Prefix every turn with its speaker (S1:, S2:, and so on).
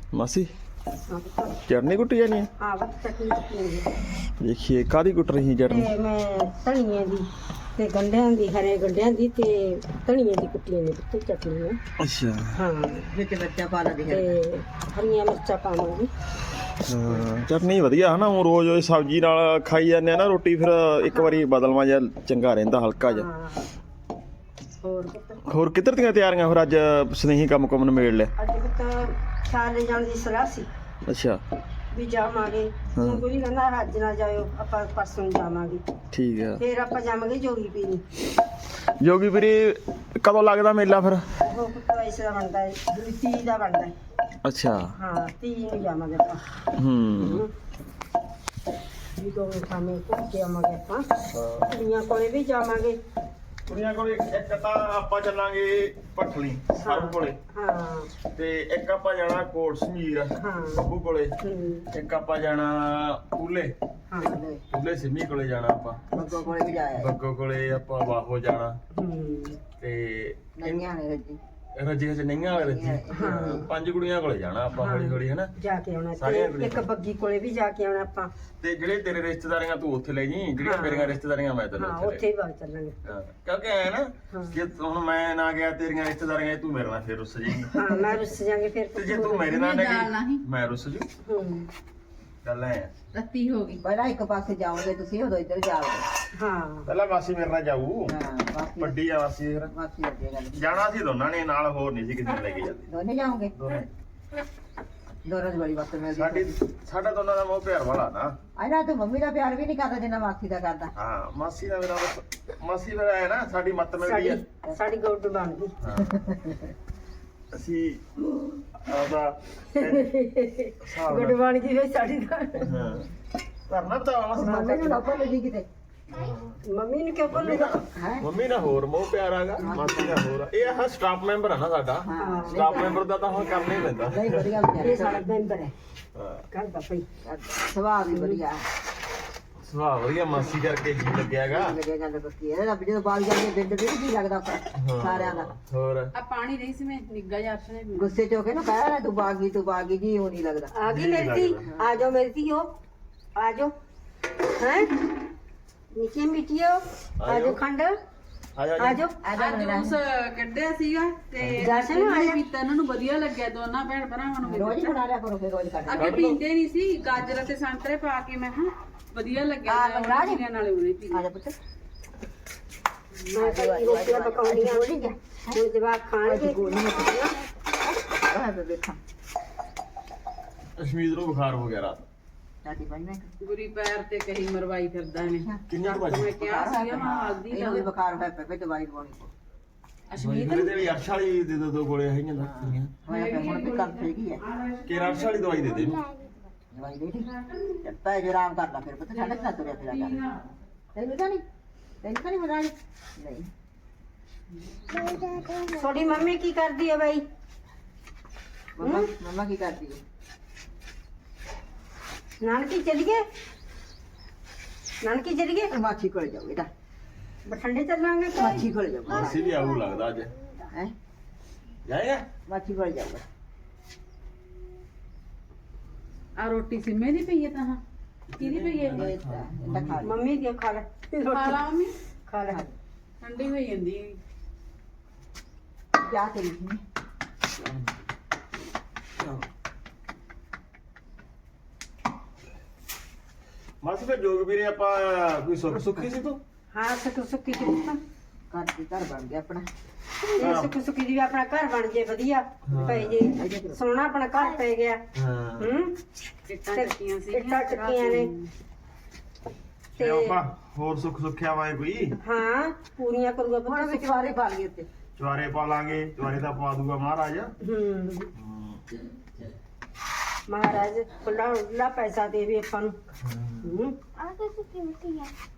S1: मासी चटनी कुटी जानी है?
S2: हाँ बस चटनी कुटी
S1: देखिए कादी कुट रही चटनी?
S2: मैं धनिया दी ते गंढियां दी हरे गंढियां दी ते धनिया दी कुट्टियां ने ते चटनी है।
S1: अच्छा
S2: हाँ
S3: ਵਿੱਚ ਮਿਰਚਾਂ ਪਾ ਲਾ ਦੇ
S2: ते हरियां मिर्चा पावांगी।
S1: चटनी वधिया है ना ऊँ रोज सब्जी नाल खाई जाने ना रोटी फिर एक बारी बदलवा जा चंगा रहिंदा हल्का जा। होर किधर ਦੀਆਂ ਤਿਆਰੀਆਂ ਫਿਰ ਅੱਜ ਸਨੇਹੀ ਕੰਮ ਕੁਮ ਨਿਬੇੜ ਲਿਆ?
S2: ਅੱਜ ਤਾਂ ਸਾਰੇ ਜਾਣ ਦੀ ਸਲਾਹ ਸੀ।
S1: ਅੱਛਾ
S2: ਵੀ ਜਾਵਾਂਗੇ ਹੁਣ ਕੋਈ ਕਹਿੰਦਾ ਅੱਜ ਨਾ ਜਾਇਓ ਆਪਾਂ ਪਰਸੋਂ ਜਾਵਾਂਗੇ।
S1: ਠੀਕ ਹੈ
S2: ਫਿਰ ਆਪਾਂ ਜਾਵਾਂਗੇ ਜੋਗੀ ਪੀਰੀ।
S1: ਜੋਗੀ ਵੀਰੇ ਕਦੋਂ ਲੱਗਦਾ ਮੇਲਾ ਫਿਰ?
S2: ਉਹ ਕੁੱਤਾ ਇਸ ਦਾ ਬਣਦਾ ਹੈ 30 ਦਾ ਬਣਦਾ ਹੈ।
S1: ਅੱਛਾ
S2: ਹਾਂ 30 ਨੂੰ ਜਾਵਾਂਗੇ ਆਪਾਂ। ਵੀ ਦੋ ਸਾਹਮਣੇ ਘੁੰਮ ਕੇ ਆਵਾਂਗੇ ਆਪਾਂ। ਕੁੜੀਆਂ ਕੋਲੇ ਵੀ ਜਾਵਾਂਗੇ।
S1: ਕੁੜੀਆਂ ਕੋਲ ਇੱਕ ਤਾਂ ਆਪਾਂ ਚੱਲਾਂਗੇ ਪਠਲੀ ਸਰਬ ਕੋਲੇ
S2: ਹਾਂ
S1: ਤੇ ਇੱਕ ਆਪਾਂ ਜਾਣਾ ਕੋਟ ਸਮੀਰ ਬੱਬੂ ਕੋਲੇ ਇੱਕ ਆਪਾਂ ਜਾਣਾ ਕੂਲੇ
S2: ਹਾਂ
S1: ਕੂਲੇ ਸਿੰਮੀ ਕੋਲੇ ਜਾਣਾ ਆਪਾਂ
S3: ਬੱਗੋ ਕੋਲੇ ਵੀ ਜਾਇਆ
S1: ਬੱਗੋ ਕੋਲੇ ਆਪਾਂ ਵਾਹੋ ਜਾਣਾ ਤੇ
S3: ਨਈਆਂ ਨੇ ਰੱਜੀ
S1: ਰੱਜੇ ਚ ਨਹੀਂਆਂ ਵਾਲੇ ਰੱਜੇ ਪੰਜ ਕੁੜੀਆਂ ਕੋਲੇ ਜਾਣਾ ਆਪਾਂ ਹੌਲੀ ਹੌਲੀ ਹਨਾ
S2: ਜਾ ਕੇ ਆਉਣਾ
S1: ਸਾਰੀਆਂ
S2: ਤੇ ਇੱਕ ਬੱਗੀ ਕੋਲੇ ਵੀ ਜਾ ਕੇ ਆਉਣਾ ਆਪਾਂ।
S1: ਤੇ ਜਿਹੜੇ ਤੇਰੇ ਰਿਸ਼ਤੇਦਾਰੀਆਂ ਤੂੰ ਉੱਥੇ ਲੈ ਜੀ ਜਿਹੜੀਆਂ ਮੇਰੀਆਂ ਰਿਸ਼ਤੇਦਾਰੀਆਂ ਮੈਂ ਤੈਨੂੰ
S2: ਹਾਂ
S1: ਉੱਥੇ
S2: ਉੱਥੇ ਹੀ ਵਗ ਚੱਲਾਂਗੇ।
S1: ਕਿਉਂਕਿ ਐ ਨਾ ਜੇ ਹੁਣ ਮੈਂ ਨਾ ਗਿਆ ਤੇਰੀਆਂ ਰਿਸ਼ਤੇਦਾਰੀਆਂ ਤੂੰ ਮੇਰੇ ਨਾਲ ਫੇਰ ਰੁੱਸ ਜਾਏਂਗੀ।
S2: ਹਾਂ ਮੈਂ ਰੁੱਸ ਜਾਾਂਗੇ ਫਿਰ।
S1: ਤੇ ਜੇ ਤੂੰ ਮੇਰੇ ਨਾਲ ਨਾ ਗਈ ਮੈਂ ਰੁੱਸ ਜੂ। ਗੱਲ ਐ
S3: ਰੱਤੀ ਹੋ ਗਈ ਪਹਿਲਾਂ ਇੱਕ ਪਾਸੇ ਜਾਓਗੇ ਤੁਸੀਂ ਉਦੋਂ ਇੱਧਰ ਜਾਓਗੇ।
S2: ਹਾਂ
S1: ਪਹਿਲਾਂ ਮਾਸੀ ਮੇਰੇ ਨਾਲ ਜਾਊ
S3: ਹਾਂ ਬਾਕੀ
S1: ਵੱਡੀ ਆ ਮਾਸੀ ਫਿਰ
S3: ਬਾਕੀ ਅੱਗੇ ਗੱਲ
S1: ਜਾਣਾ ਸੀ ਦੋਨਾਂ ਨੇ ਨਾਲ ਹੋਰ ਨਹੀਂ ਸੀ ਕਿਸੇ ਨੂੰ ਲੈ ਕੇ ਜਾਂਦੇ
S3: ਦੋਨੇ ਜਾਓਗੇ
S1: ਦੋਨੇ
S3: ਦੋਨਾਂ ਦੀ ਬੜੀ ਵਕਤ
S1: ਸਾਡੀ ਸਾਡਾ ਦੋਨਾਂ ਦਾ ਮੋਹ ਪਿਆਰ ਵਾਲਾ ਨਾ।
S3: ਆਇਨਾ ਤੂੰ ਮੰਮੀ ਦਾ ਪਿਆਰ ਵੀ ਨਹੀਂ ਕਰਦਾ ਜਿੰਨਾ ਮਾਸੀ ਦਾ ਕਰਦਾ।
S1: ਹਾਂ ਮਾਸੀ ਦਾ ਮੇਰਾ ਮਾਸੀ ਮੇਰਾ ਹੈ ਨਾ ਸਾਡੀ ਮੱਤ ਮਿਲਦੀ ਆ।
S2: ਸਾਡੀ ਗੌਡ ਬਣ ਗਈ।
S1: ਅਸੀਂ ਆਦਾ
S2: ਗੌਡ ਬਣ ਗਈ ਵੇ ਸਾਡੀ ਤਾਂ।
S1: ਹਾਂ ਕਰਨਾ ਤਾਂ
S3: ਮੰਮੀ ਨੂੰ ਲੱਭਣ ਲੱਗੀ ਕਿਤੇ
S2: ਮੰਮੀ ਨੂੰ ਕਿਉਂ ਭੁੱਲੂਗਾ?
S1: ਮੰਮੀ ਨਾਲ ਹੋਰ ਮੋਹ ਪਿਆਰ ਆਗਾ ਮਾਸੀ ਨਾਲ ਹੋਰ ਆ। ਇਹ ਆ ਸਟਾਫ ਮੈਂਬਰ ਆ ਨਾ ਸਾਡਾ ਸਟਾਫ ਮੈਂਬਰ ਦਾ ਤਾਂ ਹੁਣ ਕਰਨਾ ਹੀ ਪੈਂਦਾ।
S3: ਨਹੀਂ ਵਧੀਆ
S2: ਇਹ
S3: ਵਿਚਾਰੇ
S2: ਸਾਡਾ ਮੈਂਬਰ ਹੈ
S1: ਹਾਂ
S2: ਘਰ ਦਾ ਭਈ।
S3: ਸੁਭਾਅ ਵੀ ਵਧੀਆ
S1: ਸੁਭਾਅ ਵਧੀਆ ਮਾਸੀ ਕਰਕੇ ਜੀ ਲੱਗਿਆਗਾ।
S3: ਲੱਗਿਆ ਗੱਲ ਬੱਕੀ ਇਹ ਰੱਬ ਜਦੋਂ ਬਾਲ ਜਾਂਦੇ ਬਿੰਦ ਵੀ ਕੀ ਲੱਗਦਾ ਸਾਰਿਆਂ ਦਾ।
S1: ਹੋਰ
S4: ਆ ਪਾਣੀ ਨਹੀਂ ਸੀ ਮੈਂ ਨਿੱਗਾ ਜਿਹਾ ਅਰਸ਼ ਨੇ
S3: ਗੁੱਸੇ ਚ ਹੋ ਕੇ ਨਾ ਕਹਿ ਰਿਹਾ ਤੂੰ ਬਾਗੀ ਜੀ ਉਹ ਨਹੀਂ ਲੱਗਦਾ।
S2: ਆ ਗਈ ਮੇਰੀ ਧੀ। ਆ ਜਾਓ ਮੇਰੀ ਧੀਓ ਆ ਜਾਓ ਹੈ ਨੀਚੇ ਮਿੱਟੀਓ ਆ ਜਾਓ ਖੰਡ
S1: ਆ ਜਾ
S2: ਆ ਜਾਓ।
S4: ਅੱਜ ਜੂਸ ਕੱਢਿਆ ਸੀਗਾ ਤੇ
S2: ਜਸ਼ਨ
S4: ਇਹਨਾਂ ਨੇ
S2: ਆਇਆ।
S4: ਪੀਤਾ ਇਹਨਾਂ ਨੂੰ ਵਧੀਆ ਲੱਗਿਆ ਦੋਨਾਂ ਭੈਣ ਭਰਾਵਾਂ ਨੂੰ।
S3: ਰੋਜ਼ ਹੀ ਬਣਾ ਲਿਆ ਕਰੋ ਫਿਰ ਰੋਜ਼ ਕੱਢ
S4: ਅੱਗੇ ਪੀਂਦੇ ਨਹੀਂ ਸੀ ਗਾਜਰ ਤੇ ਸੰਤਰੇ ਪਾ ਕੇ ਮੈਂ ਹਾਂ ਵਧੀਆ ਲੱਗਿਆ ਉਹਨਾਂ ਨਾਲੇ ਉਹਨੇ ਪੀ
S3: ਆ ਜਾ ਪੁੱਤ
S2: ਮੈਂ ਤਾਂ ਰੋਟੀਆਂ ਪਕਾਉਣੀਆਂ ਹੁਣ ਜਵਾਕ ਖਾਣਗੇ।
S3: ਆ ਦੇਖਾਂ
S1: ਅਸ਼ਮੀਤ ਨੂੰ ਬੁਖਾਰ ਹੋ ਗਿਆ ਰਾਤ।
S3: ਸਾਡੀ ਭਾਈ ਨੇ
S4: ਗੁਰੀ ਪੈਰ ਤੇ ਕਹੀ ਮਰਵਾਈ ਫਿਰਦਾ ਨੇ।
S1: ਕਿੰਨੀ ਕੁ ਵਜੇ
S4: ਮੈਂ ਕਿਹਾ ਸੀਗਾ ਮੈਂ ਹਲਦੀ
S3: ਇਹਨੂੰ ਵੀ ਬੁਖਾਰ ਹੋਇਆ ਪਿਆ ਫਿਰ ਦਵਾਈ ਦਵਾਉਣੀ ਪਊ।
S4: ਅਸ਼ਮੀਤ
S1: ਮੇਰੇ ਤੇ ਵੀ ਅਰਸ਼ ਵਾਲੀ ਦੇ ਦੋ ਗੋਲੇ ਹੈਗੀਆਂ ਲੱਗਦੀਆਂ
S3: ਹੋਇਆ ਪਿਆ ਹੁਣ ਵੀ ਕੰਮ ਹੈਗੀ ਹੈ
S1: ਕਿ ਅਰਸ਼ ਵਾਲੀ ਦਵਾਈ ਦੇ ਦੇ ਇਹਨੂੰ।
S3: ਦਵਾਈ ਦੇ ਦੇ ਪੈ ਜੇ ਆਰਾਮ ਕਰ ਲਾ ਫਿਰ ਪਤਾ ਸਾਡੇ ਨਾਲ ਤੁਰਿਆ ਫਿਰਿਆ ਕਰ ਤੈਨੂੰ ਤਾਂ ਨਹੀਂ ਮਜ਼ਾ ਨਹੀਂ
S2: ਤੁਹਾਡੀ ਮੰਮੀ ਕੀ ਕਰਦੀ ਹੈ ਬਾਈ?
S3: ਮੰਮਾ ਕੀ ਕਰਦੀ ਹੈ?
S2: ਨਾਨਕੀ ਚਲੀਏ ਨਾਨਕੀ ਚਲੀਏ
S3: ਮਾਛੀ ਕੋਲ ਜਾਓ ਇਹਦਾ
S2: ਬਠੰਡੇ ਚੱਲਾਂਗੇ ਕਿ?
S3: ਮਾਛੀ ਕੋਲ ਜਾਓ
S1: ਮਾਸੀ ਵੀ ਆਊ ਲੱਗਦਾ ਅੱਜ
S3: ਹੈ
S1: ਜਾਏਗਾ।
S3: ਮਾਛੀ ਕੋਲ ਜਾਊਗਾ
S4: ਆ ਰੋਟੀ ਸਿੰਮੇ ਦੀ ਪਈ ਹੈ ਤਾਂ ਕਿਹਦੀ ਪਈ ਹੈ
S3: ਇਹਦਾ ਖਾ ਲੈ
S2: ਮੰਮੀ ਦੀ ਖਾ ਲੈ
S4: ਖਾ ਲਾ ਮੰਮੀ
S2: ਖਾ ਲੈ।
S4: ਠੰਡੀ ਹੋਈ ਜਾਂਦੀ ਹੈ।
S3: ਜਾ ਕੇ ਲਿਖੀ
S1: ਮਾਸੀ ਫਿਰ ਜੋਗ ਵੀਰੇ ਆਪਾਂ ਕੋਈ ਸੁੱਖੀ ਸੀ ਤੂੰ?
S2: ਹਾਂ ਸੁੱਕੀ ਚੁੱਪਾ
S3: ਘਰ ਬਣ ਗਿਆ ਆਪਣਾ
S2: ਇਹ ਸੁੱਕੀ ਦੀ ਵੀ ਆਪਣਾ ਘਰ ਬਣ ਜੇ ਵਧੀਆ ਪੈ ਜੇ ਸੋਹਣਾ ਆਪਣਾ ਘਰ ਪੈ ਗਿਆ।
S1: ਹਾਂ
S4: ਇੱਟਾਂ ਚੱਕੀਆਂ ਸੀ
S2: ਇੱਟਾਂ ਚੱਕੀਆਂ ਨੇ
S1: ਤੇ ਆਪਾਂ ਹੋਰ ਸੁੱਖਿਆ ਵਾਏ ਕੋਈ
S2: ਹਾਂ ਪੂਰੀਆਂ ਕਰੂਗਾ
S3: ਹੁਣ ਵਿੱਚ ਵਾਰੇ ਪਾ ਲਈ ਉੱਤੇ
S1: ਚਵਾਰੇ ਪਾ ਲਾਂਗੇ ਚਵਾਰੇ ਤਾਂ ਪਾ ਦੂਗਾ ਮਹਾਰਾਜ।
S2: ਮਹਾਰਾਜ ਖੁੱਲਾ ਪੈਸਾ ਦੇਵੇ ਆਪਾਂ ਨੂੰ।
S5: ਆ ਕਿਸੇ ਕੀਮਤੀ ਹੈ